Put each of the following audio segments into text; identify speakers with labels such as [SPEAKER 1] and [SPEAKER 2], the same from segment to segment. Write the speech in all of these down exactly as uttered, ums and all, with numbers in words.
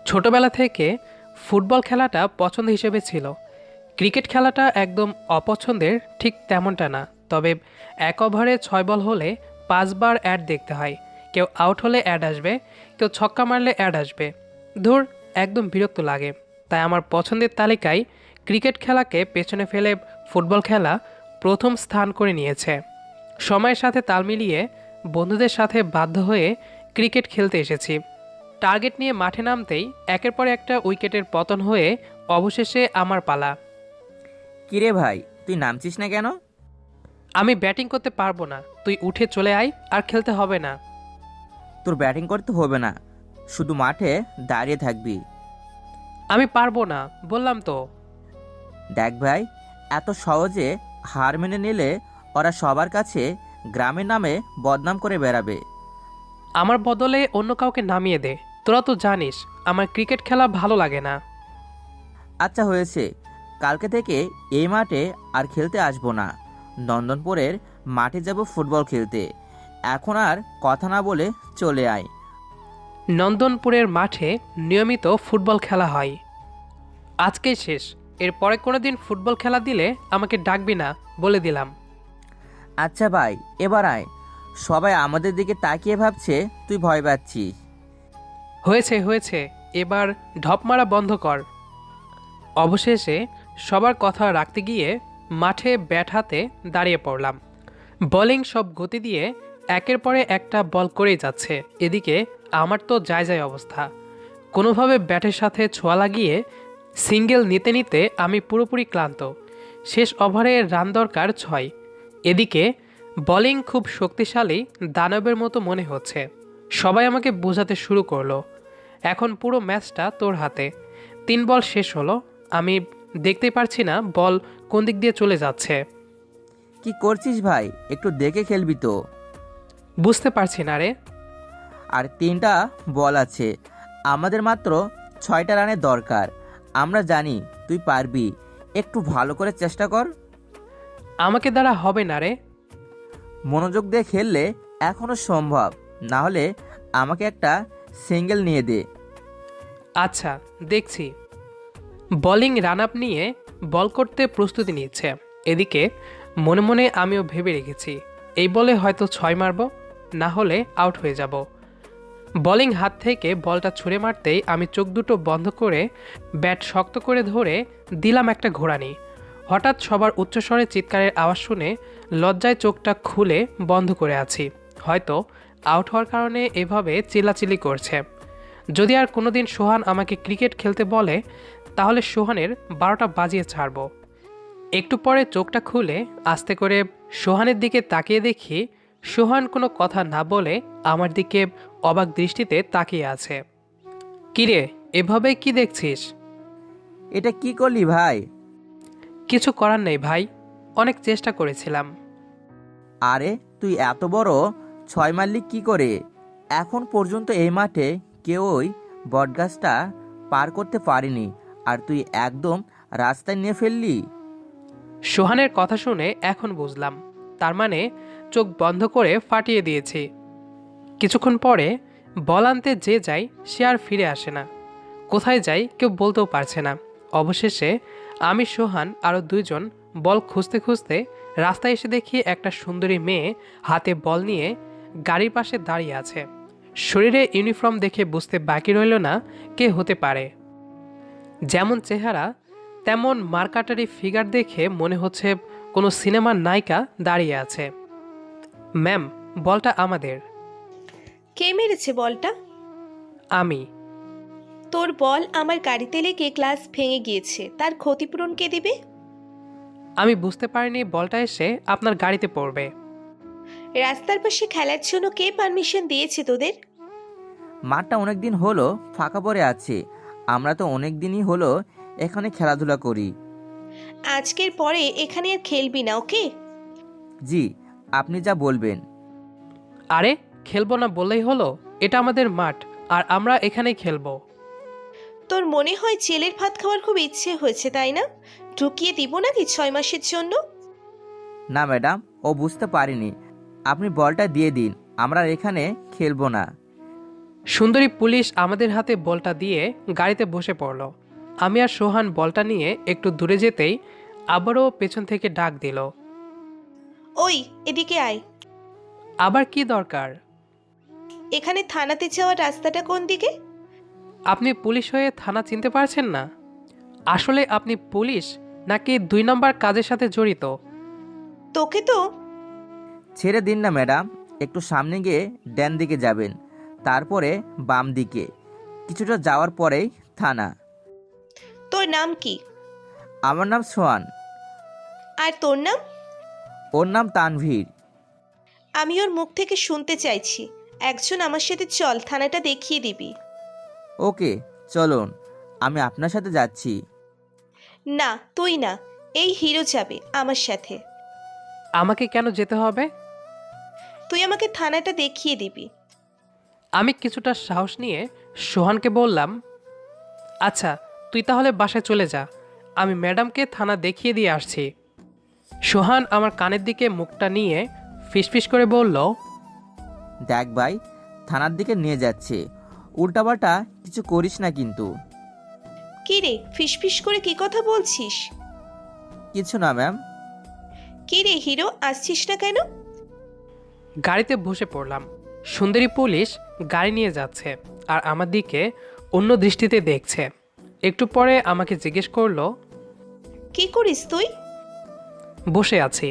[SPEAKER 1] ছোটবেলা থেকে ফুটবল খেলাটা পছন্দ হিসেবে ছিল। ক্রিকেট খেলাটা একদম অপছন্দের ঠিক তেমনটা না। তবে এক ওভারে ছয় বল হলে পাঁচবার অ্যাড দেখতে হয়। কেউ আউট হলে অ্যাড আসবে, কেউ ছক্কা মারলে অ্যাড আসবে। ধুর, একদম বিরক্ত লাগে। তাই আমার পছন্দের তালিকায় ক্রিকেট খেলাকে পেছনে ফেলে ফুটবল খেলা প্রথম স্থান করে নিয়েছে। সময়ের সাথে তাল মিলিয়ে বন্ধুদের সাথে বাধ্য হয়ে ক্রিকেট খেলতে এসেছি। টার্গেট নিয়ে মাঠে নামতেই একের পর একটা উইকেটের পতন হয়ে অবশেষে আমার পালা।
[SPEAKER 2] কিরে ভাই, তুই নামছিস না কেন?
[SPEAKER 1] আমি ব্যাটিং করতে পারবো না, তুই উঠে চলে আয়, আর খেলতে হবে না।
[SPEAKER 2] তোর ব্যাটিং করতে হবে না, শুধু মাঠে দাঁড়িয়ে থাকবি।
[SPEAKER 1] আমি পারবো না, বললাম তো।
[SPEAKER 2] দেখ ভাই, এত সহজে হার মেনে নিলে ওরা সবার কাছে গ্রামের নামে বদনাম করে বেড়াবে।
[SPEAKER 1] আমার বদলে অন্য কাউকে নামিয়ে দে। তোরা তো জানিস আমার ক্রিকেট খেলা ভালো লাগে না।
[SPEAKER 2] আচ্ছা হয়েছে, কালকে থেকে এই মাঠে আর খেলতে আসবো না। নন্দনপুরের মাঠে যাব ফুটবল খেলতে। এখন আর কথা না বলে চলে আয়।
[SPEAKER 1] নন্দনপুরের মাঠে নিয়মিত ফুটবল খেলা হয়। আজকেই শেষ। এরপরে কোনো দিন ফুটবল খেলা দিলে আমাকে ডাকবি না, বলে দিলাম।
[SPEAKER 2] আচ্ছা ভাই, এবার আয়। সবাই আমাদের দিকে তাকিয়ে ভাবছে তুই ভয় পাচ্ছিস।
[SPEAKER 1] হয়েছে হয়েছে, এবার ঢপ মারা বন্ধ কর। অবশেষে সবার কথা রাখতে গিয়ে মাঠে ব্যাট হাতে দাঁড়িয়ে পড়লাম। বোলিং সব গতি দিয়ে একের পরে একটা বল করেই যাচ্ছে। এদিকে আমার তো যায় যায় অবস্থা। কোনোভাবে ব্যাটের সাথে ছোঁয়া লাগিয়ে সিঙ্গেল নিতে নিতে আমি পুরোপুরি ক্লান্ত। শেষ ওভারে রান দরকার ছয়। এদিকে বোলিং খুব শক্তিশালী দানবের মতো মনে হচ্ছে। সবাই আমাকে বোঝাতে শুরু করলো, এখন পুরো ম্যাচটা তোর হাতে। তিন বল শেষ হলো, আমি দেখতে পারছি না বল কোন দিক দিয়ে চলে যাচ্ছে।
[SPEAKER 2] কি করছিস ভাই, একটু দেখে খেলবি তো।
[SPEAKER 1] বুঝতে পারছি না রে।
[SPEAKER 2] আর তিনটা বল আছে, আমাদের মাত্র ছয়টা রানের দরকার। আমরা জানি তুই পারবি, একটু ভালো করে চেষ্টা কর।
[SPEAKER 1] আমাকে দ্বারা হবে না রে।
[SPEAKER 2] মনোযোগ দিয়ে খেললে এখনো সম্ভব, না হলে আমাকে একটা সিঙ্গেল নিয়ে দে।
[SPEAKER 1] আচ্ছা, দেখছি। বোলিং রান আপ নিয়ে বল করতে প্রস্তুতি নিচ্ছে। এদিকে মনে মনে আমিও ভেবে রেখেছি, এই বলে হয়তো ছয় মারব, না হলে আউট হয়ে যাব। বোলিং হাত থেকে বলটা ছুঁড়ে মারতেই আমি চোখ দুটো বন্ধ করে ব্যাট শক্ত করে ধরে দিলাম একটা ঘোরানি। হঠাৎ সবার উচ্চস্বরে চিৎকারের আওয়াজ শুনে লজ্জায় চোখটা খুলে বন্ধ করে আছি। হয়তো আউট হওয়ার কারণে এভাবে চিল্লাচিল্লি করছে। যদি আর কোনোদিন সোহান আমাকে ক্রিকেট খেলতে বলে, তাহলে সোহানের বারোটা বাজিয়ে ছাড়ব। একটু পরে চোখটা খুলে আস্তে করে সোহানের দিকে তাকিয়ে দেখি সোহান কোনো কথা না বলে আমার দিকে অবাক দৃষ্টিতে তাকিয়ে আছে। কিরে, এভাবে কি দেখছিস?
[SPEAKER 2] এটা কি করলি ভাই?
[SPEAKER 1] কিছু করার নেই ভাই, অনেক চেষ্টা করেছিলাম।
[SPEAKER 2] আরে তুই এত বড় ছয় মারলি কি করে? এখন পর্যন্ত এই মাঠে কেউই বটগাছটা পার করতে পারেনি, আর তুই একদম রাস্তায় নিয়ে ফেললি।
[SPEAKER 1] সোহানের কথা শুনে এখন বুঝলাম, তার মানে চোখ বন্ধ করে ফাটিয়ে দিয়েছি। কিছুক্ষণ পরে বল আনতে যে যায় সে আর ফিরে আসে না। কোথায় যাই কেউ বলতেও পারছে না। অবশেষে আমি, সোহান আরও দুইজন বল খুঁজতে খুঁজতে রাস্তায় এসে দেখি একটা সুন্দরী মেয়ে হাতে বল নিয়ে গাড়ির পাশে দাঁড়িয়ে আছে। শরীরে ইউনিফর্ম দেখে বুঝতে বাকি রইল না কে হতে পারে। যেমন চেহারা তেমন মার্কাটারি ফিগার দেখে মনে হচ্ছে কোনো সিনেমার নায়িকা দাঁড়িয়ে আছে। ম্যাম, বলটা আমাদের।
[SPEAKER 3] কে মেরেছে বলটা?
[SPEAKER 1] আমি।
[SPEAKER 3] তোর বল আমার গাড়িতে লেগে গ্লাস ভেঙে গিয়েছে, তার ক্ষতিপূরণ কে দিবে?
[SPEAKER 1] আমি বুঝতে পারিনি বলটা এসে আপনার গাড়িতে পড়বে।
[SPEAKER 3] রাস্তার পাশে খেলার জন্য কে পারমিশন দিয়েছে তোদের?
[SPEAKER 2] মাঠটা অনেক দিন হলো ফাঁকা পড়ে আছে, আমরা তো অনেক দিনই হলো এখানে খেলাধুলা করি।
[SPEAKER 3] আজকের পরে এখানে আর খেলবি না, ওকে?
[SPEAKER 2] জি, আপনি যা বলবেন।
[SPEAKER 1] আরে, খেলবো না বললেই হলো? এটা আমাদের মাঠ, আর আমরা এখানেই খেলবো।
[SPEAKER 3] তোর মনে হয় জেলের ভাত খাওয়ার খুব ইচ্ছে হয়েছে, তাই না? ঢুকিয়ে দিব নাকি ছয় মাসের জন্য?
[SPEAKER 2] না ম্যাডাম, ও বুঝতে পারিনি। আপনি বলটা দিয়ে দিন, আমরা এখানে খেলবো না।
[SPEAKER 1] সুন্দরী পুলিশ আমাদের হাতে বলটা দিয়ে গাড়িতে বসে পড়ল। আমি আর সোহান বলটা নিয়ে একটু দূরে যেতেই আবারও পেছন থেকে ডাক দিল।
[SPEAKER 3] ওই, এদিকে আয়।
[SPEAKER 1] আবার কি দরকার?
[SPEAKER 3] এখানে থানাতে যাওয়ার রাস্তাটা কোন দিকে?
[SPEAKER 1] আপনি পুলিশ হয়ে থানা চিনতে পারছেন না? আসলে আপনি পুলিশ নাকি দুই নম্বর কাজের সাথে জড়িত?
[SPEAKER 3] তোকে তো
[SPEAKER 2] ছেড়ে দিন না ম্যাডাম, একটু সামনে গিয়ে ডান দিকে যাবেন, তারপরে বাম দিকে, কিছুটা যাওয়ার পরেই থানা।
[SPEAKER 3] তোর নাম কি?
[SPEAKER 2] আমার নাম সোহান।
[SPEAKER 3] আর তোর নাম?
[SPEAKER 2] ওর নাম তানভীর।
[SPEAKER 3] আমি ওর মুখ থেকে শুনতে চাইছি। একজন আমার সাথে চল, থানাটা দেখিয়ে দিবি।
[SPEAKER 2] ওকে চলুন, আমি আপনার সাথে যাচ্ছি।
[SPEAKER 3] না, তুই না, এই হিরো যাবে আমার সাথে।
[SPEAKER 1] আমাকে কেন যেতে হবে?
[SPEAKER 3] তুই আমাকে থানাটা দেখিয়ে দিবি।
[SPEAKER 1] আমি কিছুটা সাহস নিয়ে সোহানকে বললাম, আচ্ছা তুই তাহলে বাসায় চলে যা, আমি ম্যাডামকে থানা দেখিয়ে দিয়ে আসছি। সোহান আমার কানের দিকে মুখটা নিয়ে ফিসফিস করে বলল,
[SPEAKER 2] দেখ ভাই, থানার দিকে নিয়ে যাচ্ছে, উল্টাপাল্টা কিছু করিস না কিন্তু।
[SPEAKER 3] কি রে, ফিসফিস করে কি কথা বলছিস?
[SPEAKER 2] কিছু না ম্যাম।
[SPEAKER 3] কি রে হিরো, আসছিস না কেন?
[SPEAKER 1] গাড়িতে বসে পড়লাম। সুন্দরী পুলিশ গাড়ি নিয়ে যাচ্ছে আর আমার দিকে অন্য দৃষ্টিতে দেখছে। একটু পরে আমাকে জিজ্ঞেস করলো,
[SPEAKER 3] কি করিস তুই?
[SPEAKER 1] বসে আছি।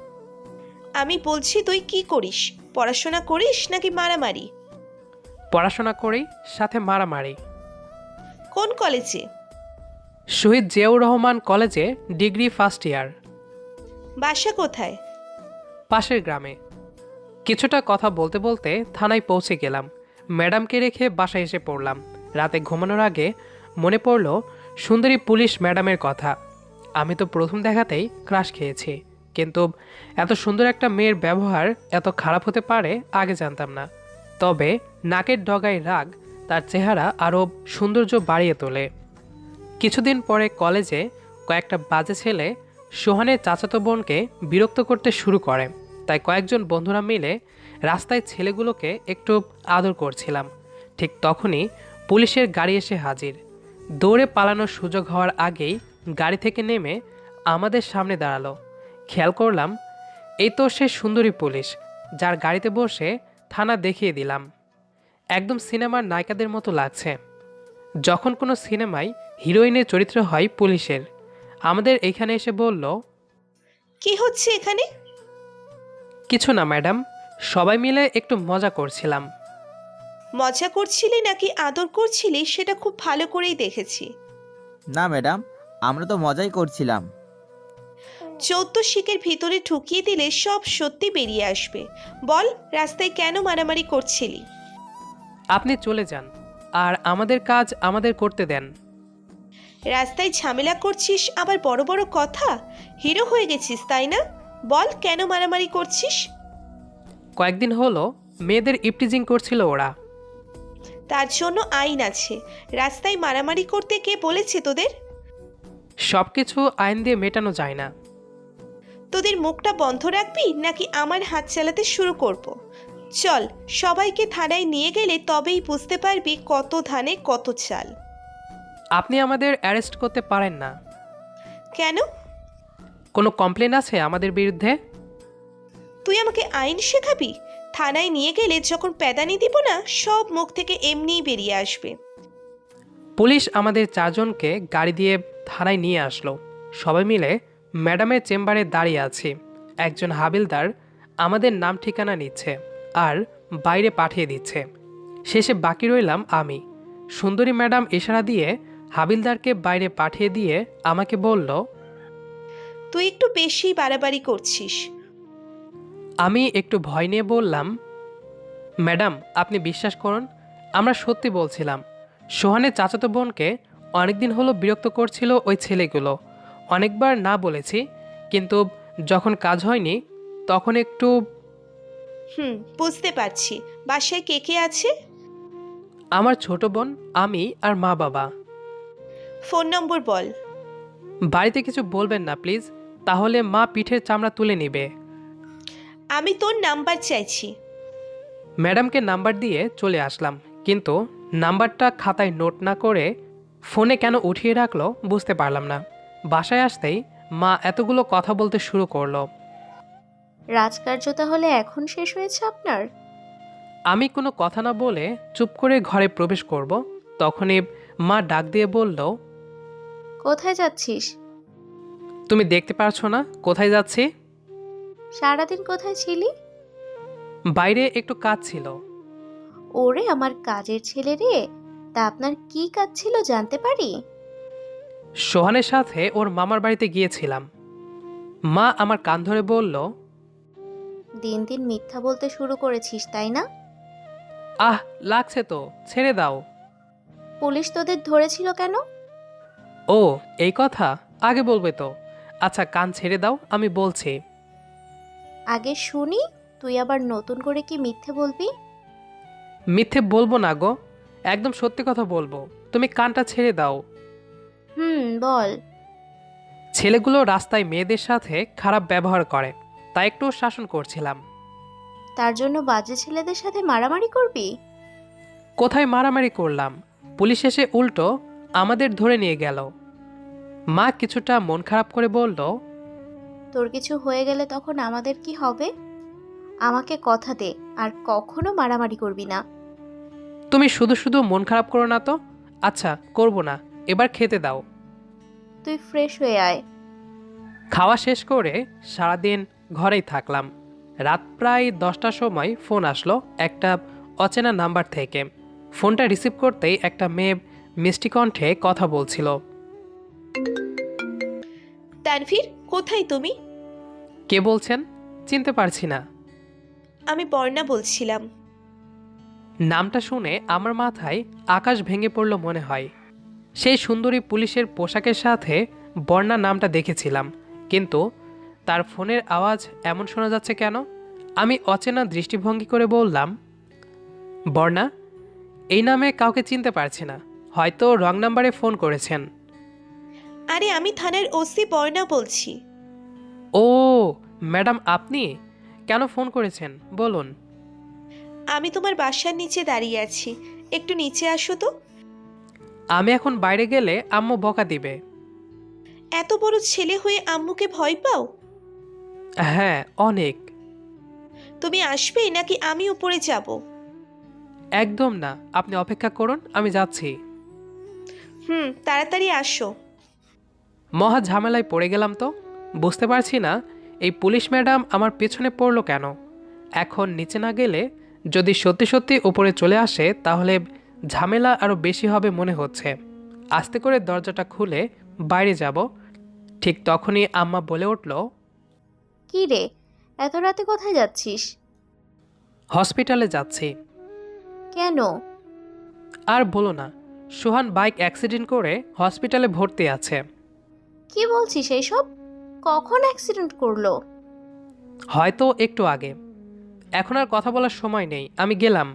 [SPEAKER 3] আমি বলছি তুই কি করিস? পড়াশোনা করিস নাকি মারামারি?
[SPEAKER 1] পড়াশোনা করি, সাথে মারামারি।
[SPEAKER 3] কোন কলেজে?
[SPEAKER 1] শহীদ জিয়াউর রহমান কলেজে ডিগ্রি ফার্স্ট ইয়ার।
[SPEAKER 3] বাসা কোথায়?
[SPEAKER 1] পাশের গ্রামে। কিছুটা কথা বলতে বলতে থানায় পৌঁছে গেলাম। ম্যাডামকে রেখে বাসায় এসে পড়লাম। রাতে ঘুমানোর আগে মনে পড়ল সুন্দরী পুলিশ ম্যাডামের কথা। আমি তো প্রথম দেখাতেই ক্রাশ খেয়েছি, কিন্তু এত সুন্দর একটা মেয়ের ব্যবহার এত খারাপ হতে পারে আগে জানতাম না। তবে নাকের ডগায় রাগ তার চেহারা আরও সৌন্দর্য বাড়িয়ে তোলে। কিছুদিন পরে কলেজে কয়েকটা বাজে ছেলে সোহানের চাচাতো বোনকে বিরক্ত করতে শুরু করে। তাই কয়েকজন বন্ধুরা মিলে রাস্তায় ছেলেগুলোকে একটু আদর করছিলাম। ঠিক তখনই পুলিশের গাড়ি এসে হাজির। দৌড়ে পালানোর সুযোগ হওয়ার আগেই গাড়ি থেকে নেমে আমাদের সামনে দাঁড়ালো। খেয়াল করলাম এই তো সে সুন্দরী পুলিশ যার গাড়িতে বসে থানা দেখিয়ে দিলাম। একদম সিনেমার নায়িকাদের মতো লাগছে। যখন কোনো সিনেমায় হিরোইনের চরিত্র হয় পুলিশের। আমাদের এইখানে এসে বলল,
[SPEAKER 3] কি হচ্ছে এখানে?
[SPEAKER 1] কিছু না ম্যাডাম, সবাই মিলে একটু মজা করছিলাম।
[SPEAKER 3] মজা করছিলি নাকি আদর করছিলি সেটা খুব ভালো করেই দেখেছি।
[SPEAKER 2] না ম্যাডাম, আমরা তো মজাই করছিলাম।
[SPEAKER 3] চৌদ্দ শিকের ভিতরে ঠুকিয়ে দিলে সব সত্যি বেরিয়ে আসবে। বল, রাস্তায় কেন মারামারি করছিলি?
[SPEAKER 1] আপনি চলে যান আর আমাদের কাজ আমাদের করতে দেন।
[SPEAKER 3] রাস্তায় ঝামেলা করছিস আবার বড় বড় কথা? হিরো হয়ে গেছিস তাই না? বল, কেন মারামারি করছিস?
[SPEAKER 1] কয়েকদিন হলো মেয়েদের ইপটিজিং করছিল ওরা।
[SPEAKER 3] তার জন্য আইন আছে। রাস্তায় মারামারি করতে কে বলেছে তোদের?
[SPEAKER 1] সব কিছু আইন দিয়ে মেটানো যায় না।
[SPEAKER 3] তোদের মুখটা বন্ধ রাখবি নাকি আমার হাত চালাতে শুরু করব? চল, সবাইকে থানায় নিয়ে গেলে তবেই বুঝতে পারবি কত ধানে কত চাল।
[SPEAKER 1] আপনি আমাদের অ্যারেস্ট করতে পারেন না।
[SPEAKER 3] কেন?
[SPEAKER 1] কোনো কমপ্লেন আছে আমাদের বিরুদ্ধে?
[SPEAKER 3] তুই আমাকে আইন শেখাবি? থানায় নিয়ে গেলে যখন প্যাদানি দিব না, সব মুখ থেকে এমনিই বেরিয়ে আসবে।
[SPEAKER 1] পুলিশ আমাদের চারজনকে গাড়ি দিয়ে থানায় নিয়ে আসলো। সবাই মিলে ম্যাডামের চেম্বারে দাঁড়িয়ে আছি। একজন হাবিলদার আমাদের নাম ঠিকানা নিচ্ছে আর বাইরে পাঠিয়ে দিচ্ছে। শেষে বাকি রইলাম আমি। সুন্দরী ম্যাডাম ইশারা দিয়ে হাবিলদারকে বাইরে পাঠিয়ে দিয়ে আমাকে বলল,
[SPEAKER 3] তুই একটু বেশি বাড়াবাড়ি করছিস।
[SPEAKER 1] আমি একটু ভয় নিয়ে বললাম, ম্যাডাম আপনি বিশ্বাস করুন, আমরা সত্যি বলছিলাম। সোহানের চাচাতো বোনকে অনেকদিন হলো বিরক্ত করছিল ওই ছেলেগুলো। অনেকবার না বলেছি, কিন্তু যখন কাজ হয়নি তখন একটু।
[SPEAKER 3] হুম, বুঝতে পারছি। বাসায় কে কে আছে?
[SPEAKER 1] আমার ছোট বোন, আমি আর মা বাবা।
[SPEAKER 3] ফোন নম্বর বল।
[SPEAKER 1] বাড়িতে কিছু বলবেন না প্লিজ, তাহলে মা পিঠের চামড়া তুলে নেবে।
[SPEAKER 3] আমি তোর নাম্বার চাইছি।
[SPEAKER 1] ম্যাডামকে নাম্বার দিয়ে চলে আসলাম। কিন্তু নাম্বারটা খাতায় নোট না করে ফোনে কেন উঠিয়ে রাখলো বুঝতে পারলাম না। বাসায় আসতেই মা এতগুলো কথা বলতে শুরু করলো।
[SPEAKER 4] রাজকার্য তাহলে এখন শেষ হয়েছে আপনার?
[SPEAKER 1] আমি কোনো কথা না বলে চুপ করে ঘরে প্রবেশ করব, তখনই মা ডাক দিয়ে বলল,
[SPEAKER 4] কোথায় যাচ্ছিস?
[SPEAKER 1] তুমি দেখতে পারছো না কোথায় যাচ্ছি?
[SPEAKER 4] সারাদিন কোথায় ছিলি?
[SPEAKER 1] বাইরে একটু কাজ ছিল।
[SPEAKER 4] ওরে আমার কাজের ছেলে রে, তা আপনার কি কাজ ছিল জানতে পারি?
[SPEAKER 1] সোহানের সাথে ওর মামার বাড়িতে গিয়েছিলাম। মা আমার কান ধরে বলল,
[SPEAKER 4] দিন দিন মিথ্যা বলতে শুরু করেছিস তাই না?
[SPEAKER 1] আহ লাগছে তো, ছেড়ে দাও।
[SPEAKER 4] পুলিশ তোদের ধরেছিল কেন?
[SPEAKER 1] ও এই কথা আগে বলবে তো। আচ্ছা কান ছেড়ে দাও, আমি বলছি।
[SPEAKER 4] আগে শুনি, তুই আবার নতুন করে কি মিথ্যে বলবি?
[SPEAKER 1] মিথ্যে বলবো না গো, একদম সত্যি কথা বলবো। তুমি কানটা ছেড়ে দাও।
[SPEAKER 4] হুম বল।
[SPEAKER 1] ছেলেগুলো রাস্তায় মেয়েদের সাথে খারাপ ব্যবহার করে, তাই একটু শাসন করছিলাম।
[SPEAKER 4] তার জন্য বাজে ছেলেদের সাথে মারামারি করবি?
[SPEAKER 1] কোথায় মারামারি করলাম, পুলিশ এসে উল্টো আমাদের ধরে নিয়ে গেল। মা কিছুটা মন খারাপ করে বলল,
[SPEAKER 4] তোর কিছু হয়ে গেলে তখন আমাদের কি হবে? আমাকে কথা দে, আর কখনো মারামারি করবি না।
[SPEAKER 1] তুমি শুধু শুধু মন খারাপ করো না তো। আচ্ছা করব না, এবার খেতে দাও।
[SPEAKER 4] তুই ফ্রেশ হয়ে আয়।
[SPEAKER 1] খাওয়া শেষ করে সারাদিন ঘরেই থাকলাম। রাত প্রায় দশটার সময় ফোন আসলো একটা অচেনা নাম্বার থেকে। ফোনটা রিসিভ করতেই একটা মেয়ে মিষ্টি কণ্ঠে কথা বলছিল।
[SPEAKER 3] তানভীর, কোথায় তুমি?
[SPEAKER 1] কে বলছেন? চিনতে পারছি না।
[SPEAKER 3] আমি বর্ণা বলছিলাম।
[SPEAKER 1] নামটা শুনে আমার মাথায় আকাশ ভেঙে পড়ল মনে হয়। সেই সুন্দরী পুলিশের পোশাকের সাথে বর্ণা নামটা দেখেছিলাম, কিন্তু তার ফোনের আওয়াজ এমন শোনা যাচ্ছে কেন? আমি অচেনা দৃষ্টিভঙ্গি করে বললাম, বর্ণা, এই নামে কাউকে চিনতে পারছি না, হয়তো রং নাম্বারে ফোন করেছেন।
[SPEAKER 3] আরে আমি থানার ওসি বর্ণা বলছি।
[SPEAKER 1] ও ম্যাডাম, আপনি কেন ফোন করেছেন বলুন।
[SPEAKER 3] আমি তোমার বাসার নিচে দাঁড়িয়ে আছি, একটু নিচে আসো তো।
[SPEAKER 1] আমি এখন বাইরে গেলে আম্মু বকা দিবে।
[SPEAKER 3] এত বড় ছেলে হয়ে আম্মুকে ভয় পাও?
[SPEAKER 1] হ্যাঁ অনেক।
[SPEAKER 3] তুমি আসবে নাকি আমি উপরে যাব?
[SPEAKER 1] একদম না, আপনি অপেক্ষা করুন, আমি যাচ্ছি।
[SPEAKER 3] হুম, তাড়াতাড়ি আসো।
[SPEAKER 1] মহা ঝামেলায় পড়ে গেলাম তো। বুঝতে পারছি না এই পুলিশ ম্যাডাম আমার পেছনে পড়লো কেন। এখন নিচে না গেলে যদি সত্যি সত্যি উপরে চলে আসে তাহলে ঝামেলা আরও বেশি হবে মনে হচ্ছে। আস্তে করে দরজাটা খুলে বাইরে যাব, ঠিক তখনই আম্মা বলে উঠল,
[SPEAKER 4] কি রে, এত রাতে কোথায় যাচ্ছিস?
[SPEAKER 1] হসপিটালে যাচ্ছি।
[SPEAKER 4] কেন?
[SPEAKER 1] আর বলো না, সোহান বাইক অ্যাক্সিডেন্ট করে হসপিটালে ভর্তি আছে।
[SPEAKER 4] কি বলছিস এইসব? কখন অ্যাক্সিডেন্ট করলো?
[SPEAKER 1] হয়তো একটু আগে। এখন আর কথা বলার সময় নেই, আমি গেলাম।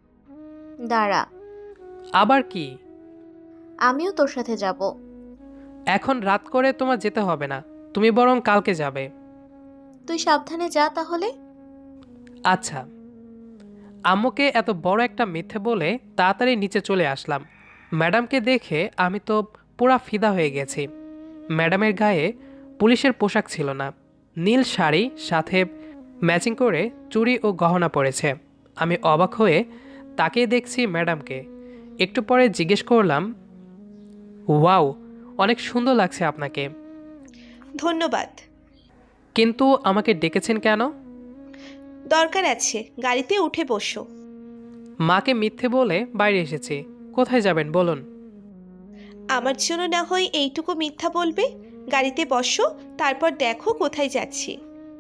[SPEAKER 4] দাঁড়া,
[SPEAKER 1] আবার কি?
[SPEAKER 4] আমিও তোর সাথে যাব।
[SPEAKER 1] এখন রাত করে তোমার যেতে হবে না, তুমি বরং কালকে যাবে।
[SPEAKER 4] তুই সাবধানে যা তাহলে।
[SPEAKER 1] আচ্ছা। আম্মুকে এত বড় একটা মিথ্যে বলে তাড়াতাড়ি নিচে চলে আসলাম। ম্যাডামকে দেখে আমি তো পুরা ফিদা হয়ে গেছি। ম্যাডামের গায়ে পুলিশের পোশাক ছিল না, নীল শাড়ি সাথে ম্যাচিং করে চুড়ি ও গহনা পরেছে। আমি অবাক হয়ে তাকিয়ে দেখছি ম্যাডামকে। একটু পরে জিজ্ঞেস করলাম, ওয়াও, অনেক সুন্দর লাগছে আপনাকে।
[SPEAKER 3] ধন্যবাদ।
[SPEAKER 1] কিন্তু আমাকে ডেকেছেন কেন?
[SPEAKER 3] দরকার আছে, গাড়িতে উঠে বসো।
[SPEAKER 1] মাকে মিথ্যে বলে বাইরে এসেছি। কোথায় যাবেন বলুন।
[SPEAKER 3] আমার জন্য না হয় এইটুকু মিথ্যা বলবে। গাড়িতে বসো, তারপর দেখো কোথায় যাচ্ছি।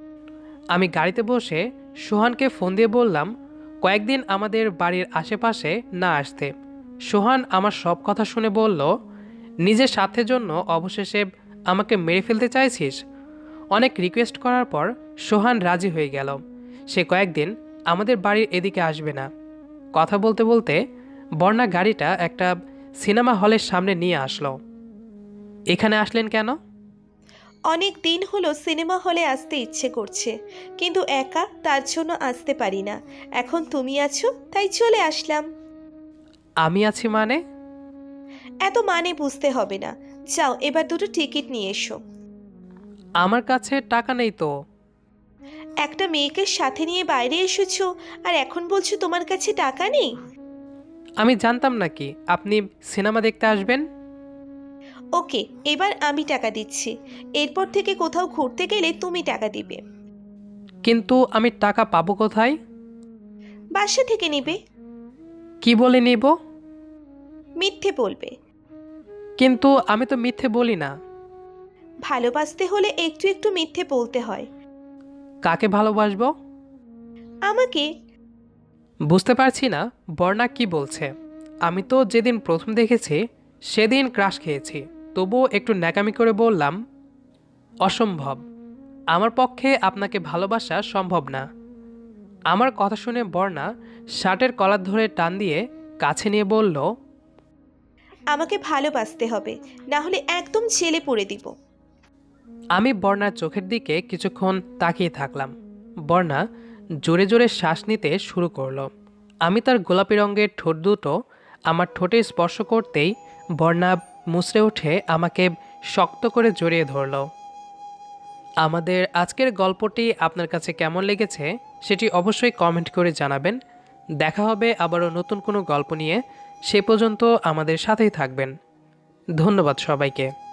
[SPEAKER 1] আমি গাড়িতে বসে সোহানকে ফোন দিয়ে বললাম কয়েকদিন আমাদের বাড়ির আশেপাশে না আসতে। সোহান আমার সব কথা শুনে বলল, নিজের স্বার্থের জন্য অবশেষে আমাকে মেরে ফেলতে চাইছিস? অনেক রিকোয়েস্ট করার পর সোহান রাজি হয়ে গেল। সে কয়েকদিন আমাদের বাড়ির এদিকে আসবে না। কথা বলতে বলতে বর্ণা গাড়িটা একটা সিনেমা হলের সামনে নিয়ে আসলো। এখানে আসলেন কেন?
[SPEAKER 3] অনেক দিন হলো সিনেমা হলে আসতে ইচ্ছে করছে, কিন্তু একা, তার জন্য আসতে পারি না। এখন তুমি আছো তাই চলে আসলাম।
[SPEAKER 1] আমি আছি মানে?
[SPEAKER 3] এত মানে বুঝতে হবে না। যাও এবার দুটো টিকিট নিয়ে এসো।
[SPEAKER 1] আমার কাছে টাকা নেই তো।
[SPEAKER 3] একটা মেয়েকে সাথে নিয়ে বাইরে এসেছো আর এখন বলছো তোমার কাছে টাকা নেই?
[SPEAKER 1] আমি জানতাম নাকি আপনি সিনেমা দেখতে আসবেন?
[SPEAKER 3] ওকে, এবার আমি টাকা দিচ্ছি। এরপর থেকে কোথাও ঘুরতে গেলে তুমি টাকা দিবে।
[SPEAKER 1] কিন্তু আমি টাকা পাবো কোথায়?
[SPEAKER 3] বাসা থেকে নিবে।
[SPEAKER 1] কি বলে নিব?
[SPEAKER 3] মিথ্যে বলবে।
[SPEAKER 1] কিন্তু আমি তো মিথ্যে বলি না।
[SPEAKER 3] ভালোবাসতে হলে একটু একটু মিথ্যে বলতে হয়।
[SPEAKER 1] কাকে ভালোবাসবো?
[SPEAKER 3] আমাকে।
[SPEAKER 1] বুঝতে পারছি না বর্ণা কি বলছে। আমি তো যেদিন প্রথম দেখেছি সেদিন ক্রাশ খেয়েছি, তবুও একটু ন্যাকামি করে বললাম, অসম্ভব, আমার পক্ষে আপনাকে ভালোবাসা সম্ভব না। আমার কথা শুনে বর্ণা শার্টের কলার ধরে টান দিয়ে কাছে নিয়ে বলল,
[SPEAKER 3] আমাকে ভালোবাসতে হবে, না হলে একদম ছেলে পড়ে দিব।
[SPEAKER 1] আমি বর্ণার চোখের দিকে কিছুক্ষণ তাকিয়ে থাকলাম। বর্ণা জোরে জোরে শ্বাস নিতে শুরু করলো। আমি তার গোলাপি রঙের ঠোঁট দুটো আমার ঠোঁটে স্পর্শ করতেই বর্ণা মুচড়ে উঠে আমাকে শক্ত করে জড়িয়ে ধরল। আমাদের আজকের গল্পটি আপনার কাছে কেমন লেগেছে সেটি অবশ্যই কমেন্ট করে জানাবেন। দেখা হবে আবারও নতুন কোনো গল্প নিয়ে। সে পর্যন্ত আমাদের সাথেই থাকবেন। ধন্যবাদ সবাইকে।